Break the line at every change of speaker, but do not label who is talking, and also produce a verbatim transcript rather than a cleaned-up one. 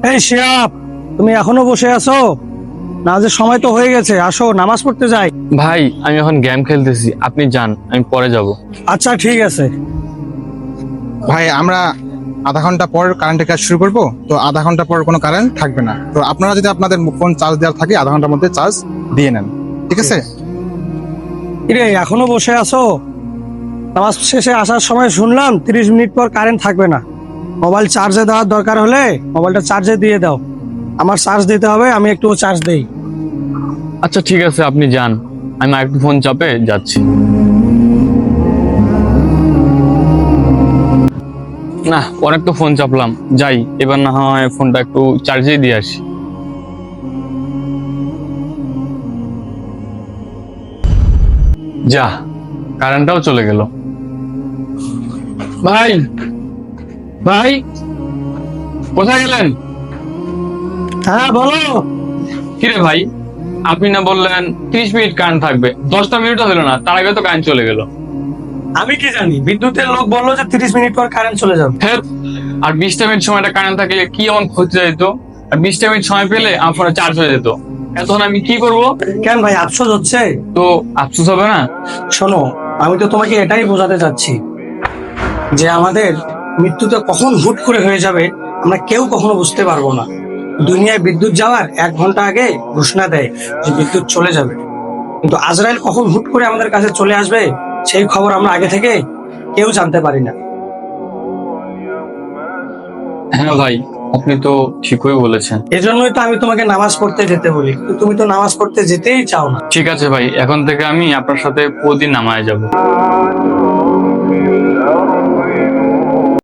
এই শিহাব, তুমি এখনো বসে আছো? নামাজের সময় তো হয়ে গেছে, আসো নামাজ পড়তে যাই।
ভাই আমি এখন গেম খেলতেছি, আপনি যান, আমি পরে যাব।
আচ্ছা ঠিক আছে।
ভাই আমরা আধা ঘন্টা পর কারেন্টের কাজ শুরু করব, তো আধা ঘন্টা পর কোনো কারেন্ট থাকবে না। তো আপনারা যদি আপনাদের ফোন চার্জ দেওয়ার থাকে আধা ঘন্টার মধ্যে চার্জ দিয়ে নেন, ঠিক আছে?
কিরে এখনো বসে আছো? নামাজ শেষে আসার সময় শুনলাম তিরিশ মিনিট পর কারেন্ট থাকবে না। মোবাইল চার্জে দেওয়ার দরকার হলে মোবাইলটা চার্জে দিয়ে দাও। আমার চার্জ দিতে হবে, আমি একটু চার্জ দেই।
আচ্ছা ঠিক আছে, আপনি যান, আমি একটু ফোন চাপে যাচ্ছি। না, অনেক তো ফোন চাপলাম, যাই এবার না হয় ফোনটা একটু চার্জে দিয়ে আসি। যা, কারেন্টটাও চলে গেল। ভাই ভাই কোথায় গেলেন?
হ্যাঁ বলো।
কিরে ভাই, আপনি না বললেন ত্রিশ মিনিট কারেন্ট থাকবে, দশটা মিনিটও হলো না, তার আগে তো কারেন্ট চলে গেল।
আমি কি জানি, বিদ্যুতের লোক বললো যে তিরিশ মিনিট পর কারেন্ট চলে যাবে।
হ্যাঁ, আর বিশটা মিনিট সময়টা কারেন্ট থাকলে কি এমন ক্ষতি যেত? আর বিশটা মিনিট সময় পেলে আমার ফোনে চার্জ হয়ে যেত। এখন আমি কি করব?
কেন ভাই আফসোস হচ্ছে?
তো আফসোস হবে না?
শোনো, আমি তো তোমাকে এটাই বোঝাতে চাচ্ছি যে আমাদের মৃত্যুটা কখন হুট করে হয়ে যাবে আমরা কেউ কখনো বুঝতে পারবো না। দুনিয়ায় বিদ্যুৎ যাওয়ার এক ঘন্টা আগে ঘোষণা দেয় যে বিদ্যুৎ চলে যাবে, কিন্তু আজরাইল কখন হুট করে আমাদের কাছে চলে আসবে সেই খবর আমরা আগে থেকে কেউ জানতে পারি না।
হ্যাঁ ভাই, আপনি তো ঠিকই বলেছেন।
এজন্যই তো আমি তোমাকে নামাজ পড়তে যেতে বলি, কিন্তু তুমি তো নামাজ পড়তে যেতেই চাও না।
ঠিক আছে ভাই, এখন থেকে আমি আপনার সাথে প্রতিদিন নামায় যাব।